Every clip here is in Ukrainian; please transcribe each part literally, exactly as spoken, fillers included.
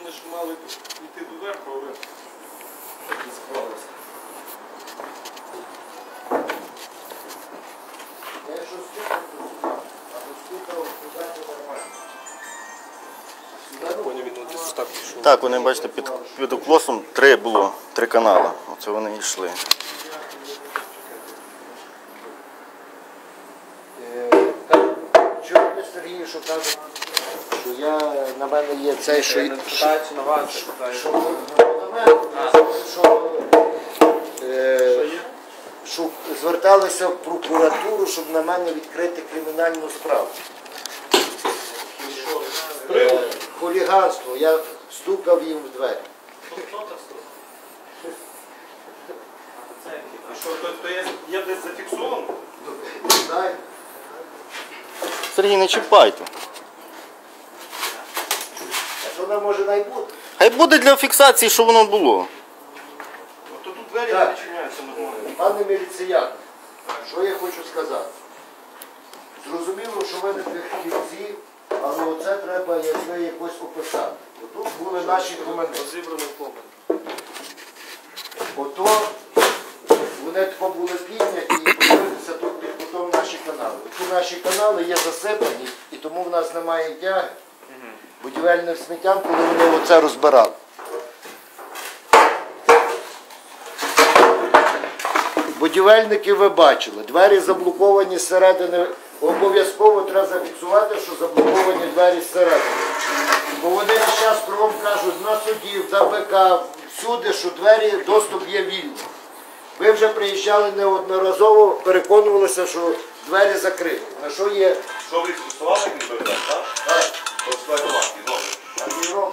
ж мали йти доверху, але так не склалося. Я якщо стукав, то стукав, а то стукав, туди то нормально. Так, вони, бачите, під, під уклосом три було, три канали. Оце вони йшли. Чуєте, Сергію, що кажуть, що я, на мене є цей, що... Не питаються на вас, Що, питаю. що, на мене, що, е, що зверталися в прокуратуру, щоб на мене відкрити кримінальну справу. Е, Хуліганство. Я стукав їм в двері. Що, то, то є, є десь зафіксовано? Знаю. Сергій, не чіпайте. А що нам може найбути? Хай буде для фіксації, що воно було. От тут двері Так. не відчиняються нормально. Пане міліціян, що я хочу сказати? Зрозуміло, що ви не фахівці, але оце треба якби якось описати. Тут були наші комени. Розібраний погляд. Ото вони тако були підняті і подивитися тут під кутом наші канали. Ці наші канали є засипані, і тому в нас немає тяги будівельним сміттям, коли вони оце розбирали. Будівельники ви бачили, двері заблоковані зсередини. Обов'язково треба зафіксувати, що заблоковані двері зсередини. Бо вони весь час кругом кажуть на судів, за БК, всюди, що двері, доступ є вільний. Ви вже приїжджали неодноразово, переконувалися, що двері закриті. На що є? Що ви фіксували, як він повідомляє, так? Так. Фіксувати, добре. А Європа.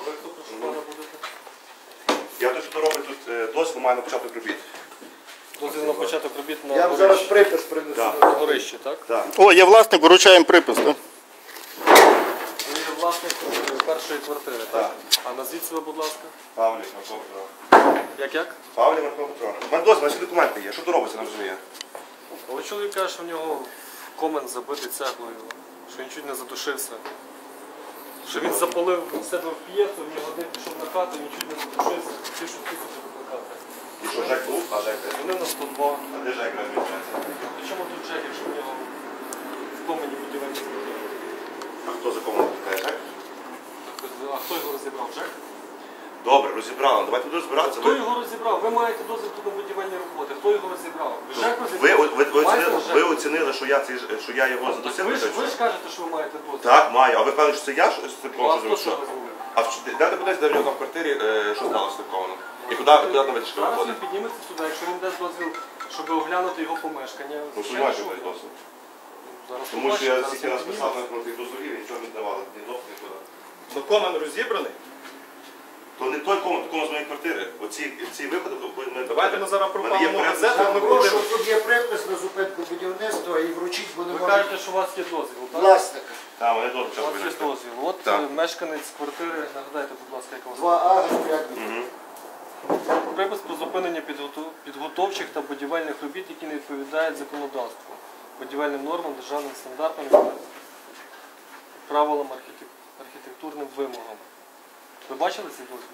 Я те, що то робить тут е, дозвіл, маю на початок робіт. Дозвіл на початок робіт на Я вам зараз припис принесу. Так. на горищі, так? Так. О, є власник, вручаємо припис. Так? Ви є власник е, першої квартири, так? Так. А назвіть себе, будь ласка. Павлік, Марко Петро. Як-як? Павлік, Марко Петро. У мене дозвіл, всі документи є. Що то робиться, не розуміє? Але чоловік каже, що в нього комен забитий цеглою, що він чуть не задушився. Що він запалив себе в п'єцу, в нього один пішов на хату, він чуть не задушився, хотів, щоб тисячу викликати. І що, Жек був? А Жек де? Вони на сто два. А де Жек розміщається? Причому тут Джек, якщо в нього в комені будівельні сміття? А хто за кому викликає Жек? А хто його розібрав? Джек? Добре, розібрали. Давайте тут розбиратися. Хто його розібрав? Ви маєте дозвіл тут на будівельні роботи. Хто його розібрав? Жек Ви, розібрав? ви, ви, Маєте оцінили, Жек? ви оцінили, що я, цей, що я його Так задусив? ви, ж, ви ж кажете, що ви маєте дозвіл. Так, маю. А ви певні, що це я що з цим Ну, а хто зробив? що Що? розробив? А в- де ти будеш, де в нього там в квартирі, е, що сталося з такого? І куди, куди там витяжка Зараз він виходить? підніметься сюди, якщо він дасть дозвіл, щоб оглянути його помешкання. Ну, Ще сумніваюся, що? що досить. Зараз Тому що побачимо, я зараз стільки він раз писав підніметься. на тих дозволів і нічого не давали, ні доп, нікуди. Ну, комен розібраний. То не той комнат, кому з моєї квартири. Оці ці виходи, ми Давайте ми зараз в мене є пропалимо порядок. газету, ми Прошу, будемо. тут є припис на зупинку будівництва і вручіть, бо не Ви може кажете, що у вас є дозвіл, так? власник. Так, вони теж У вас є почали дозвіл. От Так. е, мешканець квартири, нагадайте, будь ласка, як у вас. Два А, як Угу. Припис про зупинення підготов- підготовчих та будівельних робіт, які не відповідають законодавству, будівельним нормам, державним стандартам, правилам архітек- архітектурним вимогам. Ви бачили цей дозвіл?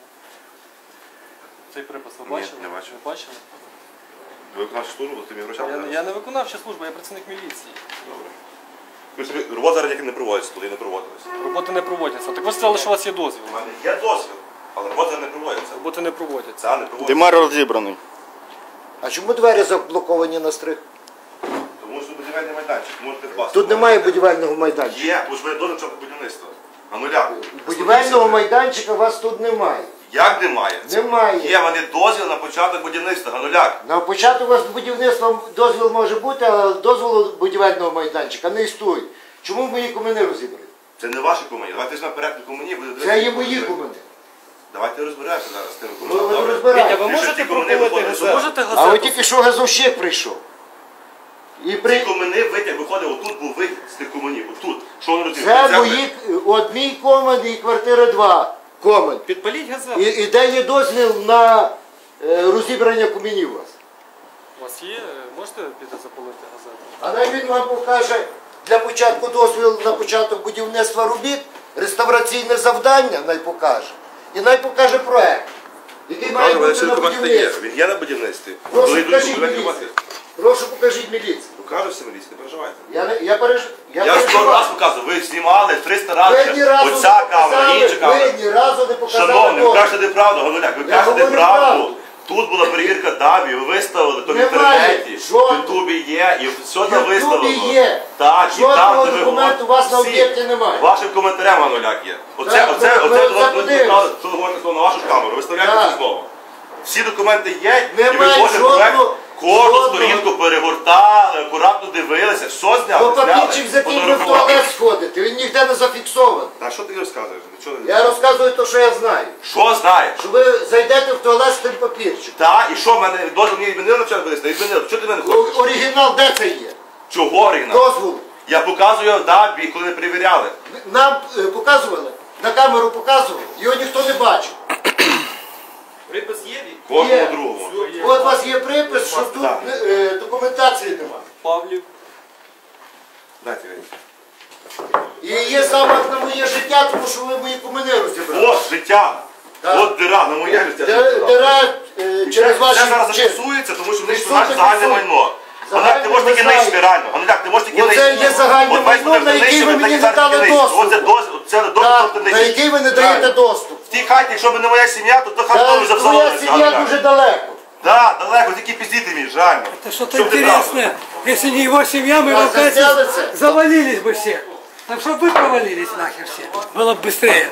Цей припис ви Ні, бачили? не бачив. Ви бачили? Ви виконавчу службу, то ти мені грошами Я, зараз. я не виконавча служба, я працівник міліції. Добре. Ви собі, робота зараз ніяк не проводиться, туди не проводилися. Роботи не проводяться. Так ви сказали, що у вас є дозвіл. У мене є дозвіл, але робота не проводиться. Роботи не проводяться. Це не проводиться. Димар розібраний. А чому двері заблоковані на стрих? Тому що будівельний майданчик, можете впасти. Тут немає будівельного майданчика. Є, тому що ви дозвіл початку будівництва. А нуля. Будівельного майданчика у вас тут немає. Як немає? Немає. Є, вони дозвіл на початок будівництва, Гануляк. На початку у вас будівництва дозвіл може бути, але дозволу будівельного майданчика не існує. Чому мої комини розібрані? Це не ваші комуні. Давайте візьмемо порядку комуні, буде Це є мої комини. Давайте розберемося зараз з тими Ну, комунами. ви Добре? розбираєте. Ви Ти що, можете ті комини пропалити виходять газету? сюди? Можете А газету? от тільки що газовщик прийшов. І Ці при... комини витяг виходив, отут був вихід з тих комунів, отут. Що вони розділили? Це мої, от мій комен і квартира два комен. Підпаліть газету. І, і де є дозвіл на е, розібрання комінів у вас? У вас є? Можете піти запалити газету? А най він вам покаже для початку дозвіл на початок будівництва робіт, реставраційне завдання най покаже. і най покаже проект, який має Кажу, бути всі на документи є. будівництві. Він є на будівництві. Прошу, Коли йдуть покажіть документи, міліцію. мати. Прошу, покажіть міліцію. Покажу всі міліції, не переживайте. Я, не, я, переж... я, Я сто переживаю. раз показую, ви знімали триста Ви разів. ні разу Оця не камера, показали, інша камера. ви ні разу не показали. Шановні, ви дозвіл. кажете неправду, Гануляк, ви Я кажете говорю правду. правду. Тут була перевірка ДАБІ, ви виставили, то в Немає інтернеті, в жодного. Ютубі є, і все В там виставлено. Ютубі є. Так, і Жодного там, де ви документу у вас на всі- об'єкті немає. Вашим коментарем, Гануляк, є. Оце, Так, оце, ви- оце, ви оце, це оце, подивитесь. що ви говорите слово на вашу камеру, виставляєте Так. це слово. Всі документи є, і ви Немає кожен жодного- проект, кожну жодного. сторінку перегортали, акуратно дивилися, все Бо зняли, папірчик зняли, закінчив в фотографували. туалет сходити, він ніде не зафіксований. Та що ти розказуєш? Нічого не Я розказую те, що я знаю. Що знаєш? Що ви зайдете в туалет з тим папірчиком. Та, і що мене дозвіл мені відмінили навчати винести? Відмінили. Що ти мене хочеш? О- Оригінал де це є? Чого оригінал? Дозвол. Я показую в ДАБІ, коли не перевіряли. Нам е, показували, на камеру показували, його ніхто не бачив. Припис є? Кожному Є. другому. От у вас є припис, що тут Так. е, документації немає. Павлів. Дайте мені. І є замах на моє життя, тому що ви мої комини розібрали. От життя. Так. От дира, на моє життя. Де- Дира е, через ваші Це зараз вчинки. зафіксується, тому що вони ж Фіксуйте, наше загальне фіксуйте. майно. Гануляк, ти можеш Загальне таки ви нищити знаєте. реально. Гануляк, ти можеш таки Оце нищити. є загальне От весь майно, буде на яке нищити, ви так і мені не зараз дали нищити. доступ. Оце дозвіл, це доступ, Так, ти на нищиш. який ви не даєте Правильно. доступ. В тій хаті, якщо б не моя сім'я, то то хата Та вже твоя взорвалася. сім'я дуже далеко. Так, далеко, тільки піздіти вмієш, реально. Это что-то Щоб ти интересное. Если не его семья, мы А бы, кажется, застрялся? завалились бы все. Так чтобы вы провалились нахер все. Было бы быстрее.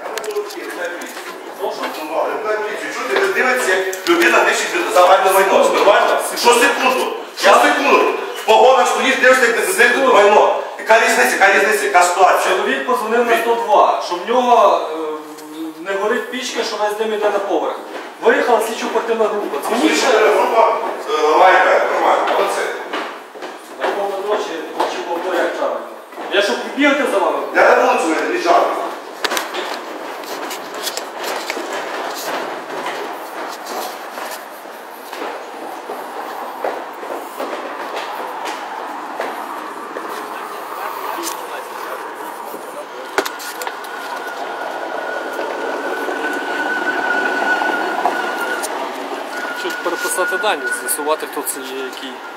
Чути, ви дивитеся, як людина нищить загальне майно. Це нормально? Що секунду? Що секунду? В погонах стоїш, дивишся, як не знищити майно. Яка різниця, яка різниця, яка ситуація? Чоловік позвонив на сто два, що в нього е, не горить пічка, що весь дим йде на поверх. Виїхала слідчо-оперативна група. Дзвоніть ще Група ламає, нормально, молодці. на якому ночі чи повторяють правильно. Я що, бігати за вами? Я на вулицю не лежав. Щоб переписати дані, з'ясувати, хто це є, який.